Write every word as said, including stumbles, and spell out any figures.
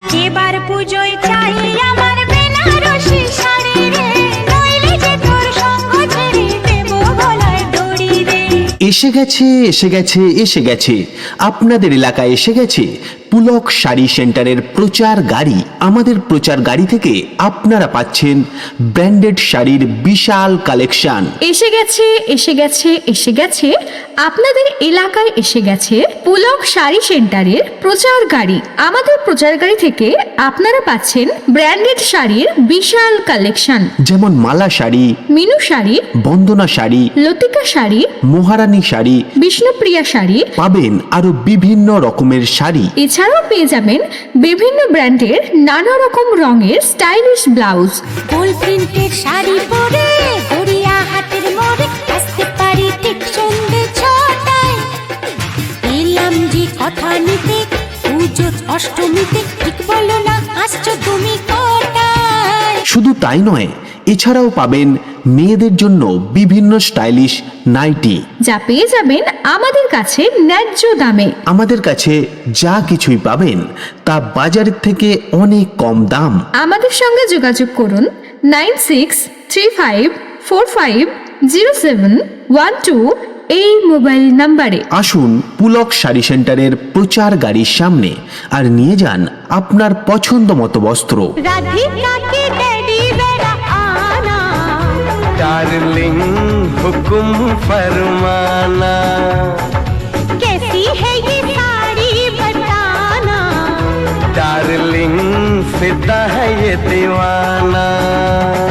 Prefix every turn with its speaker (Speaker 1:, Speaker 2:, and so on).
Speaker 1: এবার পুজোয় চাই আমার বেনারসি শাড়ি রে, নইলে যে তোর সঙ্গ ছেড়ে দেব গলায় দড়ি রে।
Speaker 2: এসে গেছে এসে গেছে এসে গেছে আপনাদের এলাকায় এসে গেছে পুলক শাড়ি সেন্টারের প্রচার গাড়ি। আমাদের প্রচার গাড়ি থেকে আপনারা পাচ্ছেন ব্র্যান্ডেড শাড়ির বিশাল কালেকশন।
Speaker 3: এসে গেছে এসে গেছে এসে গেছে আপনাদের এলাকায় এসে গেছে পুলক শাড়ি সেন্টারের প্রচার গাড়ি। আমাদের প্রচার গাড়ি থেকে আপনারা পাচ্ছেন ব্র্যান্ডেড শাড়ির বিশাল কালেকশন,
Speaker 2: যেমন মালা শাড়ি,
Speaker 3: মিনু শাড়ি,
Speaker 2: বন্দনা শাড়ি,
Speaker 3: লতিকা শাড়ি,
Speaker 2: মহারানী শাড়ি,
Speaker 3: বিষ্ণুপ্রিয়া শাড়ি,
Speaker 2: পাবেন আরো বিভিন্ন রকমের শাড়ি।
Speaker 3: এছাড়াও পেয়ে যাবেন বিভিন্ন ব্র্যান্ডের নানা রকম রঙের স্টাইলিশ ব্লাউজ।
Speaker 1: ফুল প্রিন্টের শাড়ি পরে গড়িয়া হাটের মোড়ে আসতে পারি ঠিক সন্ধ্যে ছটায়। এলাম যে কথা নিতে পুজো অষ্টমীতে, ঠিক বলো না আসছো তুমি কটায়?
Speaker 2: শুধু তাই নয়, এছাড়াও পাবেন মেয়েদের জন্য বিভিন্ন স্টাইলিশ নাইটি,
Speaker 3: যা পেয়ে যাবেন আমাদের কাছে ন্যায্য দামে।
Speaker 2: আমাদের কাছে যা কিছুই পাবেন তা বাজারের থেকে অনেক কম দাম।
Speaker 3: আমাদের সঙ্গে যোগাযোগ করুন nine six three five four five zero seven one two এই মোবাইল নাম্বারে।
Speaker 2: আসুন পুলক শাড়ি সেন্টারের প্রচার গাড়ির সামনে আর নিয়ে যান আপনার পছন্দ মতো বস্ত্র।
Speaker 1: राधिका के डैडी बेड़ा आना,
Speaker 4: डार्लिंग हुक्म फरमाना,
Speaker 1: कैसी है ये साड़ी बताना,
Speaker 4: डार्लिंग फिदा है ये दीवाना।